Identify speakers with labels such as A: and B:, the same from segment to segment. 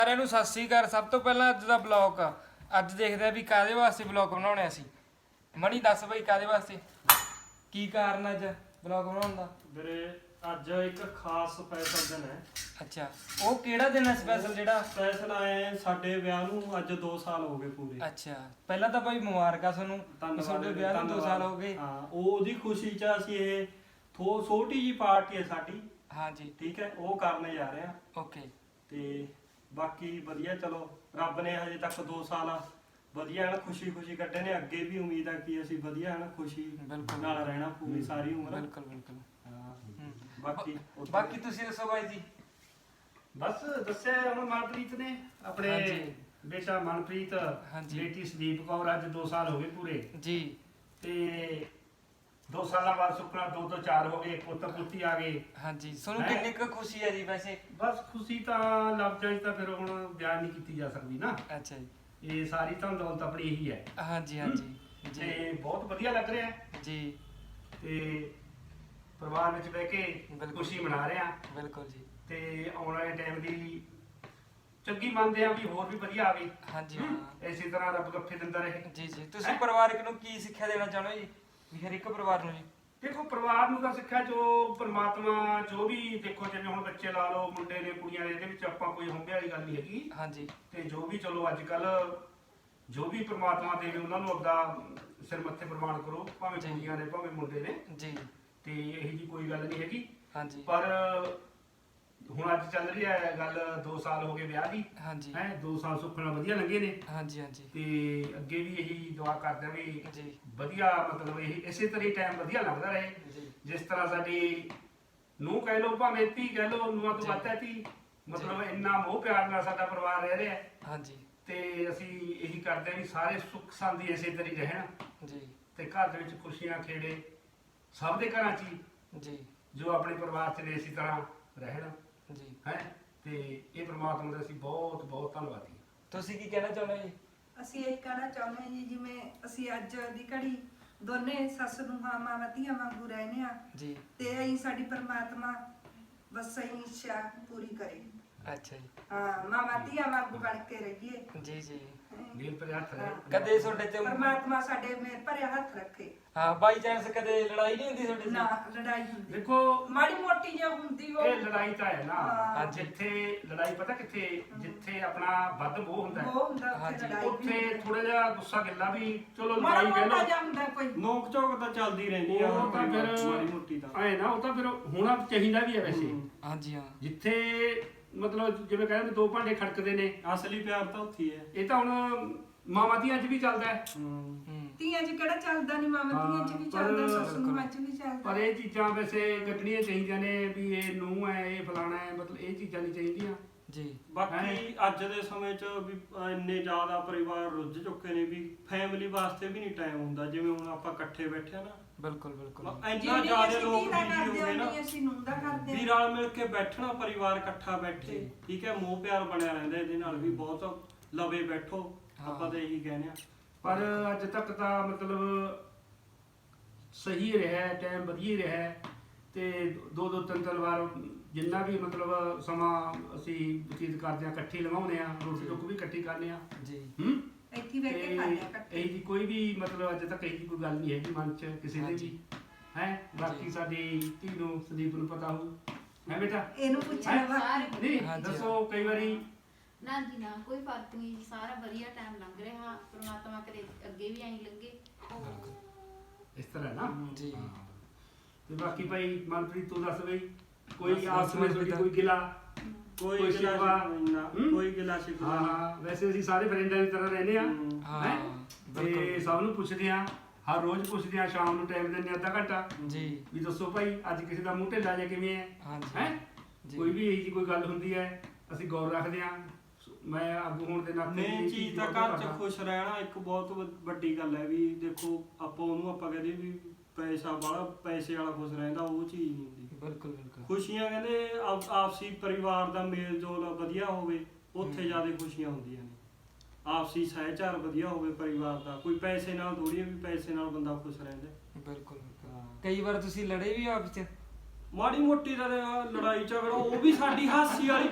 A: ਸਾਰਿਆਂ ਨੂੰ ਸਤਿ ਸ੍ਰੀ ਅਕਾਲ। ਸਭ ਤੋਂ ਪਹਿਲਾਂ ਅੱਜ ਦਾ ਬਲੌਗ ਅੱਜ ਦੇਖਦੇ ਆ ਵੀ ਕਾਹਦੇ ਵਾਸਤੇ ਬਲੌਗ ਬਣਾਉਣੇ ਸੀ। ਮਣੀ ਦੱਸ ਬਈ ਕਾਹਦੇ ਵਾਸਤੇ, ਕੀ ਕਾਰਨ ਅੱਜ ਬਲੌਗ ਬਣਾਉਣ ਦਾ?
B: ਵੀਰੇ ਅੱਜ ਇੱਕ ਖਾਸ ਸਪੈਸ਼ਲ ਦਿਨ ਹੈ।
A: ਅੱਛਾ, ਉਹ ਕਿਹੜਾ ਦਿਨ ਹੈ ਸਪੈਸ਼ਲ? ਜਿਹੜਾ
B: ਸਪੈਸ਼ਲ ਆਏ ਸਾਡੇ ਵਿਆਹ ਨੂੰ ਅੱਜ 2 ਸਾਲ ਹੋ ਗਏ ਪੂਰੇ।
A: ਅੱਛਾ, ਪਹਿਲਾਂ ਤਾਂ ਭਾਈ ਮੁਬਾਰਕਾਂ ਤੁਹਾਨੂੰ, ਤੁਹਾਡੇ ਵਿਆਹ ਨੂੰ 2 ਸਾਲ ਹੋ ਗਏ।
B: ਹਾਂ, ਉਹਦੀ ਖੁਸ਼ੀ 'ਚ ਅਸੀਂ ਇਹ ਛੋਟੀ ਜੀ ਪਾਰਟੀ ਹੈ ਸਾਡੀ।
A: ਹਾਂਜੀ
B: ਠੀਕ ਹੈ, ਉਹ ਕਰਨ ਜਾ ਰਹੇ ਆ।
A: ਓਕੇ।
B: ਤੇ ਬਾਕੀ ਵਧੀਆ, ਚਲੋ ਰੱਬ ਨੇ ਹਜੇ ਤੱਕ 2 ਸਾਲ ਵਧੀਆ ਹਨ ਖੁਸ਼ੀ ਕੱਢੇ ਨੇ। ਅੱਗੇ ਵੀ ਉਮੀਦ ਹੈ ਕਿ ਅਸੀਂ ਵਧੀਆ ਹਨ ਖੁਸ਼ੀ ਨਾਲ ਰਹਿਣਾ ਪੂਰੀ ਸਾਰੀ ਉਮਰ।
A: ਬਿਲਕੁਲ ਬਿਲਕੁਲ।
B: ਬਾਕੀ
A: ਤੁਸੀਂ ਦੱਸੋ ਬਾਈ ਜੀ।
C: ਬਸ ਦੱਸਿਆ ਹੁਣ ਮਨਪ੍ਰੀਤ ਨੇ ਆਪਣੇ ਬੇਟਾ ਮਨਪ੍ਰੀਤ, ਬੇਟੀ ਸੰਦੀਪ ਕੌਰ, ਅੱਜ 2 ਸਾਲ ਹੋ ਗਏ ਪੂਰੇ
A: ਜੀ।
C: ਤੇ 2 ਸਾਲਾਂ ਬਾਅਦ ਸੁਪਨਾ 2 ਤੋਂ 4 ਹੋ ਗਏ, ਪੁੱਤ ਪੁੱਤੀ ਆ ਗਏ।
A: ਹਾਂਜੀ, ਤੁਹਾਨੂੰ ਕਿੰਨੀ ਕੁ ਖੁਸ਼ੀ ਹੈ ਜੀ ਵੈਸੇ?
C: ਬਸ ਖੁਸ਼ੀ ਤਾਂ ਲਫ਼ਜ਼ਾਂ 'ਚ ਤਾਂ ਫਿਰ ਹੁਣ ਬਿਆਨ ਨਹੀਂ ਕੀਤੀ ਜਾ ਸਕਦੀ ਨਾ।
A: ਅੱਛਾ ਜੀ,
C: ਇਹ ਸਾਰੀ ਤਾਂ ਦੌਲਤ ਆਪਣੀ ਇਹੀ ਹੈ।
A: ਹਾਂਜੀ ਹਾਂਜੀ
C: ਤੇ ਬਹੁਤ ਵਧੀਆ ਲੱਗ ਰਿਹਾ
A: ਜੀ।
C: ਤੇ ਪਰਿਵਾਰ ਵਿੱਚ ਬਹਿ ਕੇ ਖੁਸ਼ੀ ਮਨਾ ਰਹੇ ਆ।
A: ਬਿਲਕੁਲ ਜੀ।
C: ਤੇ ਆਉਣ ਵਾਲੇ ਟਾਈਮ ਦੀ ਚੰਗੀ ਮੰਨਦੇ ਆ ਵੀ ਹੋਰ ਵੀ ਵਧੀਆ ਆਵੇ।
A: ਹਾਂਜੀ
C: ਇਸੇ ਤਰ੍ਹਾਂ ਰੱਬ ਗੱਫੇ ਦਿੰਦਾ ਰਹੇ।
A: ਜੀ ਜੀ। ਤੁਸੀਂ ਪਰਿਵਾਰਕ ਨੂੰ ਕੀ ਸਿੱਖਿਆ ਦੇਣਾ ਚਾਹੁੰਦੇ ਹੋ ਜੀ, ਵੀ ਹਰ ਇੱਕ ਪਰਿਵਾਰ ਨੂੰ ਜੀ?
C: ਦੇਖੋ, ਪਰਿਵਾਰ ਨੂੰ ਤਾਂ ਸਿੱਖਿਆ ਜੋ ਪਰਮਾਤਮਾ ਜੋ ਵੀ, ਦੇਖੋ ਜਿਵੇਂ ਹੁਣ ਬੱਚੇ ਲਾ ਲਓ, ਮੁੰਡੇ ਨੇ ਕੁੜੀਆਂ ਨੇ, ਇਹਦੇ ਵਿੱਚ ਆਪਾਂ ਕੋਈ ਹੁੰਬੇ ਵਾਲੀ ਗੱਲ ਨਹੀਂ ਹੈਗੀ।
A: ਹਾਂਜੀ।
C: ਤੇ ਜੋ ਵੀ ਚਲੋ ਅੱਜ ਕੱਲ ਜੋ ਵੀ ਪਰਮਾਤਮਾ ਦੇਵੇ ਉਹਨਾਂ ਨੂੰ ਆਪਦਾ ਸਿਰ ਮੱਥੇ ਪ੍ਰਵਾਨ ਕਰੋ, ਭਾਵੇਂ ਕੁੜੀਆਂ ਨੇ ਭਾਵੇਂ ਮੁੰਡੇ ਨੇ
A: ਜੀ।
C: ਤੇ ਇਹੀ ਜੀ ਕੋਈ ਗੱਲ ਨਹੀਂ ਹੈਗੀ।
A: ਹਾਂਜੀ।
C: ਪਰ ਹੁਣ ਅੱਜ ਚੱਲ ਰਹੀ ਹੈ ਗੱਲ 2 ਸਾਲ ਹੋ ਗਏ ਵਿਆਹ ਦੀ।
A: ਹਾਂਜੀ।
C: 2 ਸਾਲ ਸੁੱਖ ਨਾਲ ਵਧੀਆ ਲੰਘੇ ਨੇ।
A: ਹਾਂਜੀ ਹਾਂਜੀ।
C: ਤੇ ਅੱਗੇ ਵੀ ਇਹੀ ਦੁਆ ਕਰਦੇ ਆ ਵੀ
A: ਜੀ
C: ਵਧੀਆ, ਮਤਲਬ ਇਹ ਇਸੇ ਤਰ੍ਹਾਂ ਹੀ ਟਾਈਮ ਵਧੀਆ ਲੱਗਦਾ ਰਹੇ।
A: ਜੀ।
C: ਜਿਸ ਤਰ੍ਹਾਂ ਸਾਡੀ ਨੂੰਹ ਕਹਿ ਲਓ ਭਾਵੇਂ ਧੀ ਕਹਿ ਲਓ, ਨੂੰਹਾਂ ਤੋਂ ਵੱਧ ਹੈ ਧੀ, ਮਤਲਬ ਇੰਨਾ ਮੋਹ ਪਿਆਰ ਨਾਲ ਸਾਡਾ ਪਰਿਵਾਰ ਰਹਿ ਰਿਹਾ।
A: ਹਾਂਜੀ।
C: ਤੇ ਅਸੀਂ ਇਹੀ ਕਰਦੇ ਆ ਵੀ ਸਾਰੇ ਸੁੱਖ ਸੰਦੀ ਇਸੇ ਤਰ੍ਹਾਂ ਹੀ ਰਹਿਣ
A: ਜੀ।
C: ਤੇ ਘਰ ਦੇ ਵਿੱਚ ਖੁਸ਼ੀਆਂ ਖੇੜੇ ਸਭ ਦੇ ਘਰਾਂ 'ਚ ਹੀ
A: ਜੀ।
C: ਜੋ ਆਪਣੇ ਪਰਿਵਾਰ 'ਚ ਨੇ ਇਸੇ ਤਰ੍ਹਾਂ ਰਹਿਣ
A: ਜੀ।
C: ਤੇ ਇਹ ਪ੍ਰਮਾਤਮਾ ਦਾ ਅਸੀਂ ਬਹੁਤ ਬਹੁਤ ਧੰਨਵਾਦੀ।
A: ਤੁਸੀਂ ਕੀ ਕਹਿਣਾ ਚਾਹੁੰਦੇ ਹੋ ਜੀ?
D: ਅਸੀਂ ਇਹ ਕਹਿਣਾ ਚਾਹੁੰਦੇ ਹਾਂ ਜੀ, ਜਿਵੇਂ ਅਸੀਂ ਅੱਜ ਦੀ ਘੜੀ ਦੋਨੇ ਸੱਸ ਨੂੰਹਾਂ ਮਾਵਾਂ ਧੀਆਂ ਵਾਂਗੂ ਰਹਿੰਦੇ ਆ
A: ਜੀ।
D: ਤੇ ਅਸੀਂ ਸਾਡੀ ਪਰਮਾਤਮਾ ਬਸ ਅਸੀਂ ਇੱਛਾ ਪੂਰੀ ਕਰੇ।
A: ਅੱਛਾ ਜੀ।
D: ਹਾਂ, ਮਾਵਾਂ ਧੀਆਂ ਵਾਂਗੂ ਬਣ ਕੇ ਰਹੀਏ।
A: ਜੀ ਜੀ।
C: ਨੀਲ ਪਰ ਹੱਥ ਰਹੇ।
A: ਕਦੇ ਤੁਹਾਡੇ ਤੇ
D: ਪਰਮਾਤਮਾ ਸਾਡੇ ਮੇਰ ਭਰਿਆ ਹੱਥ ਰੱਖੇ।
A: ਹਾਂ, ਬਾਈ ਚਾਂਸ ਕਦੇ ਲੜਾਈ ਨਹੀਂ ਹੁੰਦੀ ਤੁਹਾਡੇ
D: ਨਾ
A: ਨਾਲ?
D: ਲੜਾਈ ਹੁੰਦੀ,
C: ਦੇਖੋ
D: ਮਾੜੀ ਮੋਟੀ ਜੇ ਹੁੰਦੀ ਉਹ
C: ਇਹ ਲੜਾਈ ਤਾਂ ਹੈ ਨਾ।
D: ਹਾਂ।
C: ਜਿੱਥੇ ਲੜਾਈ ਪਤਾ ਕਿੱਥੇ, ਜਿੱਥੇ ਆਪਣਾ ਵੱਧ ਮੋਹ ਹੁੰਦਾ ਹੈ,
D: ਉਹ ਹੁੰਦਾ ਉੱਥੇ
A: ਹਾਂਜੀ।
D: ਲੜਾਈ ਵੀ
C: ਉੱਥੇ
D: ਹੁੰਦੀ।
C: ਥੋੜਾ ਜਿਹਾ ਗੁੱਸਾ ਗਿੱਲਾ ਵੀ ਚਲੋ
D: ਮਾੜਾ
C: ਲੜਾਈ ਕਹਿ
D: ਮੋਟਾ
C: ਲਓ,
D: ਜਿਹਾ ਹੁੰਦਾ ਕੋਈ।
B: ਨੋਕ ਝੋਕ ਤਾਂ ਚੱਲਦੀ ਰਹਿੰਦੀ ਆ
C: ਉਹ ਤਾਂ ਫਿਰ
B: ਮਾੜੀ ਮੋਟੀ ਤਾਂ
C: ਐ ਨਾ, ਉਹ ਤਾਂ ਫਿਰ ਹੋਣਾ ਚਾਹੀਦਾ ਵੀ ਹੈ ਵੈਸੇ।
A: ਹਾਂਜੀ ਹਾਂ।
C: ਜਿੱਥੇ ਮਤਲਬ ਜਿਵੇਂ ਕਹਿੰਦੇ 2 ਭਾਂਡੇ ਖੜਕਦੇ ਨੇ,
B: ਅਸਲੀ ਪਿਆਰ ਤਾਂ ਉੱਥੇ ਹੀ ਹੈ।
C: ਇਹ ਤਾਂ ਹੁਣ ਮਾਵਾਂ ਧੀਆਂ 'ਚ ਵੀ ਚੱਲਦਾ ਹੈ।
D: ਧੀਆਂ 'ਚ ਕਿਹੜਾ ਚੱਲਦਾ ਨਹੀਂ, ਮਾਵਾਂ ਧੀਆਂ 'ਚ ਵੀ ਚੱਲਦਾ, ਸੱਸ ਨੂੰਹਾਂ 'ਚ ਵੀ ਚੱਲਦਾ।
C: ਪਰ ਇਹ ਚੀਜ਼ਾਂ ਵੈਸੇ ਕੱਢਣੀਆਂ ਚਾਹੀਦੀਆਂ ਨੇ ਵੀ ਇਹ ਨੂੰਹ ਹੈ, ਇਹ ਫਲਾਣਾ ਹੈ, ਮਤਲਬ ਇਹ ਚੀਜ਼ਾਂ ਨਹੀਂ ਚਾਹੀਦੀਆਂ
A: ਜੀ।
B: ਬਾਕੀ ਅੱਜ ਦੇ ਸਮੇਂ 'ਚ ਵੀ ਇੰਨੇ ਜ਼ਿਆਦਾ ਪਰਿਵਾਰ ਰੁੱਝ ਚੁੱਕੇ ਨੇ ਵੀ ਫੈਮਿਲੀ ਵਾਸਤੇ ਵੀ ਨਹੀਂ ਟਾਈਮ ਹੁੰਦਾ। ਜਿਵੇਂ ਹੁਣ ਆਪਾਂ ਇਕੱਠੇ ਬੈਠੇ ਆ ਨਾ,
A: ਬਿਲਕੁਲ ਬਿਲਕੁਲ।
B: ਇੰਨਾ ਜ਼ਿਆਦਾ ਲੋਕ
D: ਬਿਜੀ
B: ਬਿਜੀ ਹੋ ਗਏ ਨਾ
D: ਅਸੀਂ ਨੂੰਹ ਦਾ ਕਰਦੇ
B: ਵੀ ਰਲ ਮਿਲ ਕੇ ਬੈਠਣਾ, ਪਰਿਵਾਰ ਇਕੱਠਾ ਬੈਠੇ, ਠੀਕ ਹੈ, ਮੋਹ ਪਿਆਰ ਬਣਿਆ ਰਹਿੰਦਾ। ਇਹਦੇ ਨਾਲ ਵੀ ਬਹੁਤ ਲਵੇ ਬੈਠੋ, ਆਪਾਂ ਤਾਂ ਇਹੀ ਕਹਿੰਦੇ ਆ।
C: ਪਰ ਅੱਜ ਤੱਕ ਤਾਂ ਮਤਲਬ ਸਹੀ ਰਿਹਾ, ਟਾਈਮ ਵਧੀਆ ਰਿਹਾ। ਤੇ 2-2 3-3 ਵਾਰ ਜਿੰਨਾ ਵੀ ਮਤਲਬ ਸਮਾਂ ਅਸੀਂ ਬਤੀਤ ਕਰਦੇ ਆ, ਇਕੱਠੇ ਲਵਾਉਂਦੇ ਆ, ਰੋਟੀ ਟੁੱਕ ਵੀ ਇਕੱਠੀ ਕਰਨੇ ਆ
A: ਜੀ।
D: ਇੱਥੇ ਬੈਠ ਕੇ ਖਾਂਦੇ ਆ ਇਕੱਠੇ।
C: ਇਹ ਜੀ ਕੋਈ ਵੀ ਮਤਲਬ ਅੱਜ ਤੱਕ ਇਹ ਕੋਈ ਗੱਲ ਨਹੀਂ ਹੈਗੀ ਮਨ 'ਚ ਕਿਸੇ ਦੇ ਵੀ ਹੈ। ਬਾਕੀ ਸਾਡੀ ਧੀ ਨੂੰ ਸੰਦੀਪ ਨੂੰ ਪਤਾ ਹੋਊ ਹੈ ਬੇਟਾ,
D: ਇਹਨੂੰ ਪੁੱਛਣਾ ਬਾਕੀ
C: ਨਹੀਂ ਦੱਸੋ ਕਈ ਵਾਰੀ
E: ਨਾ ਜੀ ਨਾ, ਕੋਈ ਫਰਕ ਨਹੀਂ ਜੀ, ਸਾਰਾ ਵਧੀਆ ਟਾਈਮ ਲੰਘ ਰਿਹਾ। ਪ੍ਰਮਾਤਮਾ ਕਰੇ ਅੱਗੇ ਵੀ ਐਂ ਲੱਗੇ।
C: ਇਸ ਤਰ੍ਹਾਂ ਨਾ
A: ਜੀ।
C: ਹਾਂ। ਤੇ ਬਾਕੀ ਭਾਈ ਮਨਪ੍ਰੀਤ ਤੂੰ ਦੱਸ ਬਈ, ਕੋਈ
A: ਬਸ
C: ਆਪਸ ਵਿੱਚ
A: ਬੇਟਾ।
C: ਕੋਈ ਗਿਲਾ?
B: ਕੋਈ
C: ਕੋਈ
B: ਗਿਲਾ
C: ਸ਼ਿਕਵਾ?
B: ਸ਼ਿਕਵਾ ਨਾ, ਕੋਈ ਗਿਲਾ ਸ਼ਿਕਵਾ
C: ਹਾਂ ਹਾਂ, ਵੈਸੇ ਅਸੀਂ ਸਾਰੇ ਫਰੈਂਡਾਂ ਦੀ ਤਰ੍ਹਾਂ ਰਹਿੰਦੇ ਆ।
A: ਹਾਂ
C: ਹੈਂ? ਤੇ
A: ਬਿਲਕੁਲ
C: ਸਭ ਨੂੰ ਪੁੱਛਦੇ ਆ, ਹਰ ਰੋਜ਼ ਪੁੱਛਦੇ ਆ, ਸ਼ਾਮ ਨੂੰ ਟਾਈਮ ਦਿੰਦੇ ਆ ਅੱਧਾ ਘੰਟਾ
A: ਜੀ।
C: ਵੀ ਦੱਸੋ ਭਾਈ ਅੱਜ ਕਿਸੇ ਦਾ ਮੂੰਹ ਢਿੱਲਾ ਜਾਂ ਕਿਵੇਂ ਹੈ
A: ਹਾਂਜੀ
C: ਹੈ।
A: ਜੀ।
C: ਕੋਈ ਵੀ ਇਹੀ ਜਿਹੀ ਕੋਈ ਗੱਲ ਹੁੰਦੀ ਹੈ ਅਸੀਂ ਗੌਰ ਰੱਖਦੇ ਆ। ਮੈਂ ਆਗੂ ਹੋਣ ਦੇ ਨਾਤੇ
B: ਮੇਨ
C: ਇਹ
B: ਚੀਜ਼ ਤਾਂ
C: ਬਹੁਤ
B: ਘਰ 'ਚ
C: ਕਰਦਾ।
B: ਖੁਸ਼ ਰਹਿਣਾ ਇੱਕ ਬਹੁਤ ਵੱਡੀ ਗੱਲ ਹੈ। ਵੀ ਦੇਖੋ ਆਪਾਂ ਉਹਨੂੰ ਆਪਾਂ ਕਹਿੰਦੇ ਵੀ ਪੈਸਾ ਵਾਲਾ, ਪੈਸੇ ਵਾਲਾ ਖੁਸ਼ ਰਹਿੰਦਾ, ਉਹ ਚੀਜ਼ ਨਹੀਂ ਹੁੰਦੀ।
A: ਬਿਲਕੁਲ ਬਿਲਕੁਲ।
B: ਖੁਸ਼ੀਆਂ ਕਹਿੰਦੇ ਆਪਸੀ ਪਰਿਵਾਰ ਦਾ ਮੇਲ ਜੋਲ ਵਧੀਆ ਹੋਵੇ, ਉੱਥੇ ਜ਼ਿਆਦਾ ਖੁਸ਼ੀਆਂ ਹੁੰਦੀਆਂ ਨੇ। ਆਪਸੀ ਸਹਿਚਾਰ ਵਧੀਆ ਹੋਵੇ ਪਰਿਵਾਰ ਦਾ, ਕੋਈ ਪੈਸੇ ਨਾਲ ਥੋੜੀ ਵੀ ਪੈਸੇ ਨਾਲ ਬੰਦਾ ਖੁਸ਼ ਰਹਿੰਦਾ।
A: ਬਿਲਕੁਲ ਬਿਲਕੁਲ। ਕਈ ਵਾਰ ਤੁਸੀਂ ਲੜੇ ਵੀ ਆਪਸ ਚ?
B: ਮਾੜੀ ਮੋਟੀ ਦਾ ਲੜਾਈ ਝਗੜਾ ਉਹ ਵੀ ਸਾਡੀ ਹਾਸੀ ਵਾਲੀ ਕੋਈ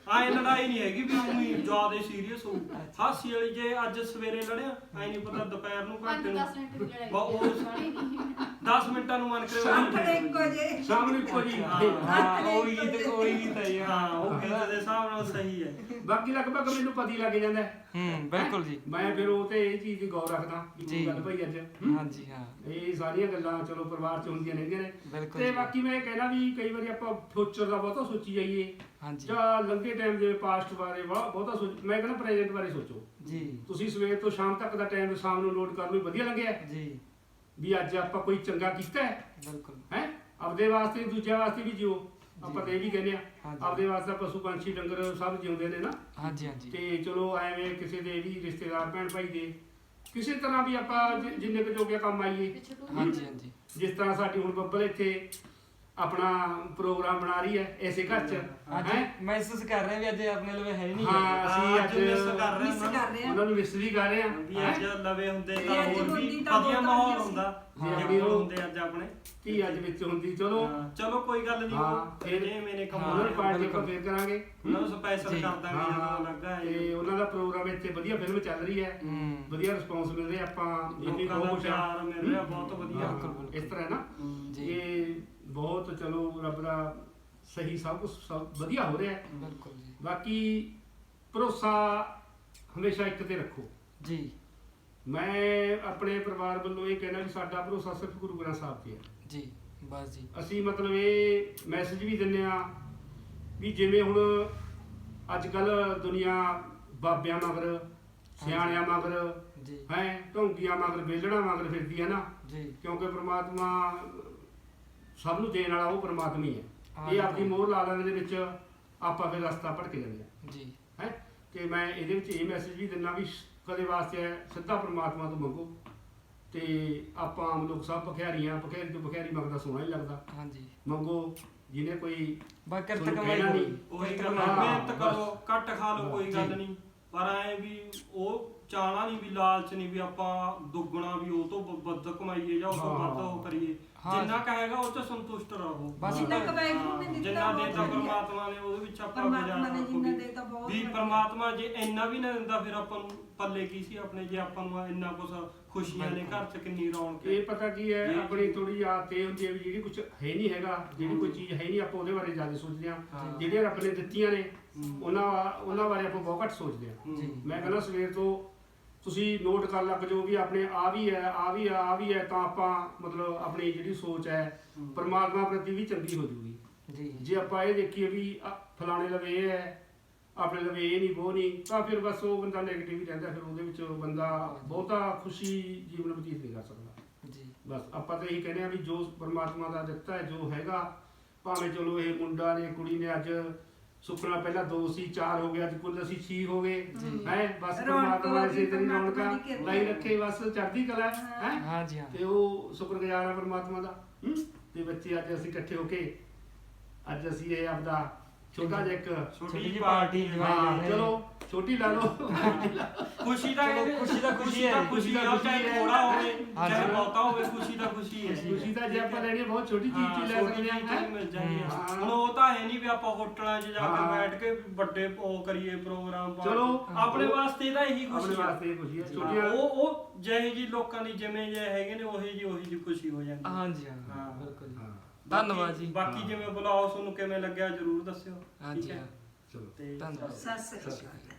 B: ਆਏ ਲੜਾਈ ਨਹੀਂ ਹੈਗੀ ਵੀ ਉਹੀ ਜ਼ਿਆਦਾ ਸੀਰੀਅਸ ਹੋ ਹਾਸੀ ਵਾਲੀ। ਜੇ ਅੱਜ ਸਵੇਰੇ ਲੜਿਆ ਐ ਨਹੀਂ ਪਤਾ ਦੁਪਹਿਰ ਨੂੰ ਘੰਟੇ ਨੂੰ
E: 5-10 ਮਿੰਟ ਦੀ ਲੜਾਈ
B: ਬਾ ਉਹ
E: ਸਾਰੀ ਨਹੀਂ
B: 10 ਮਿੰਟਾਂ ਨੂੰ ਮਨ ਕਰੇ
D: ਸਾਹਮਣੇ ਇੱਕੋ ਜੇ
C: ਸ਼ਾਮ ਨੂੰ ਇੱਕੋ ਜੀ
A: ਹਾਂ ਉਹੀ ਤੇ ਕੋਈ ਵੀ ਤਾਂ ਹੀ
B: ਹਾਂ ਉਹ ਗੀਤ ਦੇ ਹਿਸਾਬ ਨਾਲ ਸਹੀ ਹੈ।
C: ਬਾਕੀ ਲਗਭਗ ਮੈਨੂੰ ਪਤਾ ਹੀ ਲੱਗ ਜਾਂਦਾ ਹੈ।
A: ਬਿਲਕੁਲ ਜੀ।
C: ਮੈਂ ਫਿਰ ਉਹ ਤੇ ਇਹ ਚੀਜ਼ ਦੀ ਗੌਰ ਰੱਖਦਾ ਕਿ
A: ਜੀ।
C: ਕੀ ਗੱਲ ਭਾਈ ਅੱਜ
A: ਹਾਂਜੀ ਹਾਂ
C: ਇਹ ਸਾਰੀਆਂ ਗੱਲਾਂ ਚਲੋ ਪਰਿਵਾਰ ਚ ਹੁੰਦੀਆਂ ਰਹਿੰਦੀਆਂ ਨੇ।
A: ਬਿਲਕੁਲ
C: ਤੇ
A: ਜੀ।
C: ਬਾਕੀ ਮੈਂ ਇਹ ਕਹਿਣਾ ਵੀ ਕਈ ਵਾਰੀ ਆਪਾਂ ਫਿਊਚਰ ਦਾ ਬਹੁਤਾ ਸੋਚੀ ਜਾਈਏ
A: ਹਾਂਜੀ
C: ਜਾਂ ਲੰਘੇ ਟਾਈਮ ਦੇ ਪਾਸਟ ਬਾਰੇ ਬਹੁਤਾ ਸੋਚ, ਮੈਂ ਕਹਿੰਦਾ ਪ੍ਰੈਜ਼ੈਂਟ ਬਾਰੇ ਸੋਚੋ।
A: ਜੀ
C: ਤੁਸੀਂ ਸਵੇਰ ਤੋਂ ਸ਼ਾਮ ਤੱਕ ਦਾ ਟਾਈਮ ਸ਼ਾਮ ਨੂੰ ਲੋਡ ਕਰਨ ਨੂੰ ਵਧੀਆ ਲੱਗਿਆ
A: ਜੀ
C: ਵੀ ਅੱਜ ਆਪਾਂ ਕੋਈ ਚੰਗਾ ਕੀਤਾ ਹੈ
A: ਬਿਲਕੁਲ
C: ਹੈ ਆਪਦੇ ਵਾਸਤੇ ਦੂਜਿਆਂ ਵਾਸਤੇ ਵੀ ਜਿਓ। ਆਪਾਂ ਤਾਂ ਇਹ ਵੀ ਕਹਿੰਦੇ ਆ
A: ਹਾਂਜੀ।
C: ਆਪਦੇ ਵਾਸਤੇ ਪਸ਼ੂ ਪੰਛੀ ਡੰਗਰ ਸਭ ਜਿਉਂਦੇ ਨੇ ਨਾ।
A: ਹਾਂਜੀ ਹਾਂਜੀ
C: ਤੇ ਚਲੋ ਐਵੇਂ ਕਿਸੇ ਦੇ ਵੀ ਰਿਸ਼ਤੇਦਾਰ ਭੈਣ ਭਾਈ ਦੇ ਕਿਸੇ ਤਰ੍ਹਾਂ ਵੀ ਆਪਾਂ ਜਿੰਨੇ ਕੁ ਜੋਗੇ ਕੰਮ ਆਈਏ।
E: ਪਿੱਛੇ ਤੋਂ
A: ਹਾਂਜੀ ਹਾਂਜੀ
C: ਜਿਸ ਤਰ੍ਹਾਂ ਸਾਡੀ ਹੁਣ ਬੱਬਲ ਇੱਥੇ ਆਪਣਾ ਪ੍ਰੋਗਰਾਮ ਬਣਾ ਰਹੀ ਹੈ ਐਸੇ ਘਰ ਚ
A: ਅੱਜ
C: ਹੈ।
A: ਮਹਿਸੂਸ ਕਰ ਰਹੇ ਵੀ ਅੱਜ ਆਪਣੇ ਲਵੇ ਹੈ ਨਹੀਂ
C: ਹਾਂ ਅਸੀਂ
B: ਅੱਜ
C: ਅੱਜ
B: ਮਿਸ ਕਰ ਰਹੇ
D: ਮਿਸ
B: ਹਾਂ
D: ਕਰ ਰਹੇ ਆ।
C: ਉਹਨਾਂ ਨੂੰ ਮਿਸ ਵੀ ਕਰ ਰਹੇ ਆ
B: ਵੀ ਅੱਜ ਲਵੇ ਹੁੰਦੇ
D: ਤੇ
B: ਤਾਂ
D: ਅੱਜ
B: ਹੋਰ ਵੀ
D: ਹੁੰਦੀ ਤਾਂ
B: ਵਧੀਆ
D: ਬਹੁਤ
B: ਮਾਹੌਲ
D: ਵਧੀਆ ਸੀ।
B: ਹੁੰਦਾ
C: ਹਾਂ।
B: ਜੇ ਹੋਰ ਹੁੰਦੇ ਅੱਜ ਆਪਣੇ।
C: ਧੀ ਅੱਜ ਵਿੱਚ ਹੁੰਦੀ ਚਲੋ
B: ਹਾਂ, ਚਲੋ ਕੋਈ ਗੱਲ ਨਹੀਂ
C: ਹਾਂ,
B: ਉਹ
C: ਫਿਰ-
B: ਇਹਨੇ ਮੈਨੇ
C: ਉਹਨਾਂ
B: ਕਮਾਉਣਾ
C: ਨੂੰ ਪਾਰਟੀ
A: ਬਿਲਕੁਲ।
C: ਆਪਾਂ ਫੇਰ ਕਰਾਂਗੇ।
B: ਉਹਨਾਂ ਨੂੰ ਸਪੈਸ਼ਲ
A: ਜੀ।
B: ਕਰ ਦਾਂਗੇ ਜਦੋਂ ਲੱਗਾ ਹੈ
C: ਤੇ ਉਹਨਾਂ ਦਾ ਪ੍ਰੋਗਰਾਮ ਇੱਥੇ ਵਧੀਆ ਫਿਲਮ ਚੱਲ ਰਹੀ ਹੈ ਵਧੀਆ ਰਿਸਪੌਂਸ ਮਿਲ ਰਿਹਾ ਆਪਾਂ ਜਿੰਨੀ
B: ਲੋਕਾਂ ਦਾ
C: ਬਹੁਤ
B: ਪਿਆਰ ਮਿਲ ਰਿਹਾ ਬਹੁਤ ਵਧੀਆ।
A: ਬਿਲਕੁਲ, ਬਿਲਕੁਲ।
C: ਇਸ ਤਰ੍ਹਾਂ ਨਾ
A: ਜੀ
C: ਇਹ ਬਹੁਤ ਚਲੋ ਰੱਬ ਦਾ ਸਹੀ ਸਭ ਕੁਝ ਵਧੀਆ ਹੋ ਰਿਹਾ ਹੈ।
A: ਬਿਲਕੁਲ ਜੀ
C: ਬਾਕੀ ਭਰੋਸਾ ਹਮੇਸ਼ਾ ਇੱਕ ਤੇ ਰੱਖੋ।
A: ਜੀ
C: ਮੈਂ ਆਪਣੇ ਪਰਿਵਾਰ ਵੱਲੋਂ ਇਹ ਕਹਿਣਾ ਵੀ ਸਾਡਾ ਭਰੋਸਾ ਸਿਰਫ ਗੁਰੂ ਗ੍ਰੰਥ ਸਾਹਿਬ ਤੇ ਹੈ।
A: ਜੀ ਬਸ ਜੀ
C: ਅਸੀਂ ਮਤਲਬ ਇਹ ਮੈਸੇਜ ਵੀ ਦਿੰਦੇ ਆ ਵੀ ਜਿਵੇਂ ਹੁਣ ਅੱਜ ਕੱਲ ਦੁਨੀਆ ਬਾਬਿਆਂ ਮਗਰ ਸਿਆਣਿਆਂ ਮਗਰ
A: ਜੀ
C: ਹੈ ਢੋਂਗੀਆਂ ਮਗਰ ਵੇਲਣਾ ਮਗਰ ਫਿਰਦੀ ਹੈ ਨਾ।
A: ਜੀ
C: ਕਿਉਂਕਿ ਪ੍ਰਮਾਤਮਾ ਸਭ ਨੂੰ ਦੇਣ ਵਾਲਾ ਉਹ ਪ੍ਰਮਾਤਮਾ ਹੀ ਹੈ।
A: ਹਾਂ,
C: ਇਹ ਆਪਣੀ ਮੋਹਰ ਲਾ ਲੈਣ ਦੇ ਵਿੱਚ ਆਪਾਂ ਫਿਰ ਰਸਤਾ ਭਟਕ ਜਾਂਦੇ ਆ
A: ਜੀ
C: ਹੈ। ਤੇ ਮੈਂ ਇਹਦੇ ਵਿੱਚ ਇਹ ਮੈਸੇਜ ਵੀ ਦਿੰਦਾ ਵੀ ਕਦੇ ਵਾਸਤੇ ਸਿੱਧਾ ਪ੍ਰਮਾਤਮਾ ਤੋਂ ਮੰਗੋ। ਤੇ ਆਪਾਂ ਆਮ ਲੋਕ ਸਭ ਭਖਿਆਰੀਆਂ ਭਖਿਆਰੀ ਤੋਂ ਭਖਿਆਰੀ ਮੰਗਦਾ ਸੋਹਣਾ ਹੀ ਲੱਗਦਾ।
A: ਹਾਂਜੀ
C: ਮੰਗੋ ਜਿਹਨੇ ਕੋਈ
A: ਬਾ ਕਿਰਤ
C: ਤੁਹਾਨੂੰ
A: ਕਮਾਈ
C: ਕਹਿਣਾ
A: ਹੋਈ।
C: ਨਹੀਂ।
B: ਉਹੀ ਗੱਲ
C: ਹਾਂ,
B: ਮਿਹਨਤ
C: ਬਸ।
B: ਕਰੋ ਘੱਟ ਖਾ ਲਓ ਕੋਈ ਗੱਲ
A: ਜੀ।
B: ਨਹੀਂ ਪਰ ਐ ਵੀ ਉਹ ਚਾਹਣਾ ਨਹੀਂ ਵੀ ਲਾਲਚ ਨਹੀਂ ਵੀ ਆਪਾਂ ਦੁੱਗਣਾ ਵੀ ਉਹ ਤੋਂ ਵੱਧ ਕਮਾਈਏ ਜਾਂ ਉਹ ਤੋਂ ਵੱਧ ਉਹ ਕਰੀਏ।
A: ਹਾਂ।
B: ਜਿੰਨਾ ਕਹੇਗਾ ਉਹ ਚ ਸੰਤੁਸ਼ਟ ਰਹੋ।
A: ਬਸ
D: ਜਿੰਨਾ ਕਮਾਈ ਨੇ ਦਿੱਤਾ
B: ਜਿੰਨਾ
D: ਬਹੁਤ
B: ਦੇਤਾ
D: ਵਧੀਆ।
B: ਪਰਮਾਤਮਾ ਨੇ ਉਹਦੇ ਵਿੱਚ ਆਪਾਂ
D: ਪਰਮਾਤਮਾ ਨੇ ਜਿੰਨਾ
B: ਗੁਜ਼ਾਰਾ
D: ਦੇਤਾ ਬਹੁਤ
B: ਵੀ
D: ਵਧੀਆ।
B: ਪਰਮਾਤਮਾ ਜੇ ਇੰਨਾ ਵੀ ਨਾ ਦਿੰਦਾ ਫਿਰ ਆਪਾਂ ਨੂੰ ਪੱਲੇ ਕੀ ਸੀ ਆਪਣੇ ਜੇ ਆਪਾਂ ਨੂੰ ਇੰਨਾ ਕੁਛ ਖੁਸ਼ੀਆਂ ਨੇ ਘਰ ਚ ਕਿੰਨੀ ਰੌਣਕ
C: ਇਹ ਪਤਾ ਕੀ ਹੈ
B: ਇਹ
C: ਆਪਣੀ ਥੋੜੀ ਆਦਤ ਇਹ ਹੁੰਦੀ ਹੈ ਵੀ ਜਿਹੜੀ ਕੁਝ ਹੈ ਨਹੀਂ ਹੈਗਾ ਜਿਹੜੀ ਕੋਈ ਚੀਜ਼ ਹੈ ਨਹੀਂ ਆਪਾਂ ਉਹਦੇ ਬਾਰੇ ਜ਼ਿਆਦਾ ਸੋਚਦੇ ਹਾਂ।
B: ਹਾਂ।
C: ਜਿਹੜੀਆਂ ਰੱਬ ਨੇ ਦਿੱਤੀਆਂ ਨੇ ਉਹਨਾਂ ਬਾਰੇ ਆਪਾਂ ਬਹੁਤ ਘੱਟ ਸੋਚਦੇ ਹਾਂ।
A: ਜੀ
C: ਮੈਂ ਕਹਿੰਦਾ ਸਵੇਰ ਤੋਂ ਤੁਸੀਂ ਨੋਟ ਕਰ ਲੱਗ ਜਾਓ ਵੀ ਆਪਣੇ ਆ ਵੀ ਹੈ ਆ ਵੀ ਆ ਆ ਵੀ ਹੈ ਤਾਂ ਆਪਾਂ ਮਤਲਬ ਆਪਣੀ ਜਿਹੜੀ ਸੋਚ ਹੈ ਪਰਮਾਤਮਾ ਪ੍ਰਤੀ ਵੀ ਚੰਗੀ ਹੋ ਜੂਗੀ।
A: ਜੀ
C: ਜੇ ਆਪਾਂ ਇਹ ਦੇਖੀਏ ਵੀ ਫਲਾਣੇ ਲਵੇ ਇਹ ਹੈ ਆਪਣੇ ਲਵੇ ਇਹ ਨਹੀਂ ਉਹ ਨਹੀਂ ਤਾਂ ਫਿਰ ਬਸ ਉਹ ਬੰਦਾ ਨੈਗੇਟਿਵ ਹੀ ਰਹਿੰਦਾ। ਫਿਰ ਉਹਦੇ ਵਿੱਚ ਬੰਦਾ ਬਹੁਤਾ ਖੁਸ਼ੀ ਜੀਵਨ ਬਤੀਤ ਨਹੀਂ ਕਰ ਸਕਦਾ।
A: ਜੀ
C: ਬਸ ਆਪਾਂ ਤਾਂ ਇਹੀ ਕਹਿੰਦੇ ਆ ਵੀ ਜੋ ਪਰਮਾਤਮਾ ਦਾ ਦਿੱਤਾ ਹੈ ਜੋ ਹੈਗਾ ਭਾਵੇਂ ਚਲੋ ਇਹ ਮੁੰਡਾ ਨੇ ਕੁੜੀ ਨੇ ਅੱਜ ਸੁਪਨਾ ਪਹਿਲਾਂ 2 ਸੀ 4 ਹੋ ਗਿਆ ਅੱਜ ਕੁੱਲ ਅਸੀਂ 6 ਹੋ ਗਏ ਹੈ। ਬਸ ਪਰਮਾਤਮਾ ਇਸੇ ਤਰੀ ਰੌਣਕਾਂ ਲਾਈ ਰੱਖੇ ਬਸ ਚੜ੍ਹਦੀ ਕਲਾ ਹੈ।
A: ਹਾਂਜੀ ਹਾਂ
C: ਤੇ ਉਹ ਸ਼ੁਕਰਗੁਜ਼ਾਰ ਆ ਪਰਮਾਤਮਾ ਦਾ। ਤੇ ਬੱਚੇ ਅੱਜ ਅਸੀਂ ਇਕੱਠੇ ਹੋ ਕੇ ਅੱਜ ਅਸੀਂ ਇਹ ਆਪਦਾ ਛੋਟਾ ਜਿਹਾ ਇੱਕ
B: ਛੋਟੀ
A: ਜਿਹੀ
B: ਜਿਹੀ
A: ਪਾਰਟੀ
B: ਪਾਰਟੀ
A: ਜਵਾਈ
C: ਚਲੋ ਛੋਟੀ ਲਾ ਲਓ
B: ਖੁਸ਼ੀ ਦਾ
A: ਚਲੋ, ਖੁਸ਼ੀ ਤਾਂ ਖੁਸ਼ੀ ਹੈ।
B: ਖੁਸ਼ੀ ਦਾ
C: ਖੁਸ਼ੀ
B: ਚਾਹੇ
C: ਹੈ।
B: ਥੋੜਾ ਹੋਵੇ
A: ਹਾਂਜੀ।
B: ਚਾਹੇ ਬਹੁਤਾ ਹੋਵੇ ਖੁਸ਼ੀ ਦਾ ਖੁਸ਼ੀ ਹੈ
C: ਖੁਸ਼ੀ ਤਾਂ ਜੇ ਆਪਾਂ ਲੈਣੀ ਹੈ ਬਹੁਤ ਛੋਟੀ ਚੀਜ਼ ਚ ਲੈ ਸਕਦੇ ਹਾਂ ਹੈਂ।
B: ਮਿਲ ਜਾਂਦੀ ਆ।
C: ਹਾਂ।
B: ਹੁਣ ਉਹ ਤਾਂ ਹੈ ਨਹੀਂ ਵੀ ਆਪਾਂ ਹੋਟਲਾਂ 'ਚ ਜਾ ਕੇ
C: ਹਾਂ।
B: ਬੈਠ ਕੇ ਵੱਡੇ ਉਹ ਕਰੀਏ ਪ੍ਰੋਗਰਾਮ
C: ਚਲੋ।
B: ਆਪਣੇ ਵਾਸਤੇ ਤਾਂ ਇਹੀ
C: ਆਪਣੇ
B: ਖੁਸ਼ੀ ਆ
C: ਵਾਸਤੇ ਇਹ ਖੁਸ਼ੀ ਹੈ
B: ਹਾਂ,
C: ਛੋਟੀਆਂ
B: ਉਹ ਜਿਹੇ ਜੀ ਲੋਕਾਂ ਦੀ ਜਿਵੇਂ ਜੇ ਹੈਗੇ ਨੇ ਉਹੀ ਜੀ ਖੁਸ਼ੀ ਹੋ ਜਾਂਦੀ
A: ਹਾਂਜੀ ਹਾਂ
B: ਹਾਂ।
A: ਬਿਲਕੁਲ ਜੀ
C: ਹਾਂ
A: ਧੰਨਵਾਦ ਜੀ।
B: ਬਾਕੀ
C: ਹਾਂ।
B: ਜਿਵੇਂ ਬੁਲਾਓ ਤੁਹਾਨੂੰ ਕਿਵੇਂ ਲੱਗਿਆ ਜਰੂਰ ਦੱਸਿਓ
A: ਹਾਂਜੀ
B: ਠੀਕ ਹੈ
A: ਹਾਂ
C: ਚਲੋ
B: ਤੇ
A: ਧੰਨਵਾਦ।
D: ਸਤਿ ਸ੍ਰੀ ਅਕਾਲ।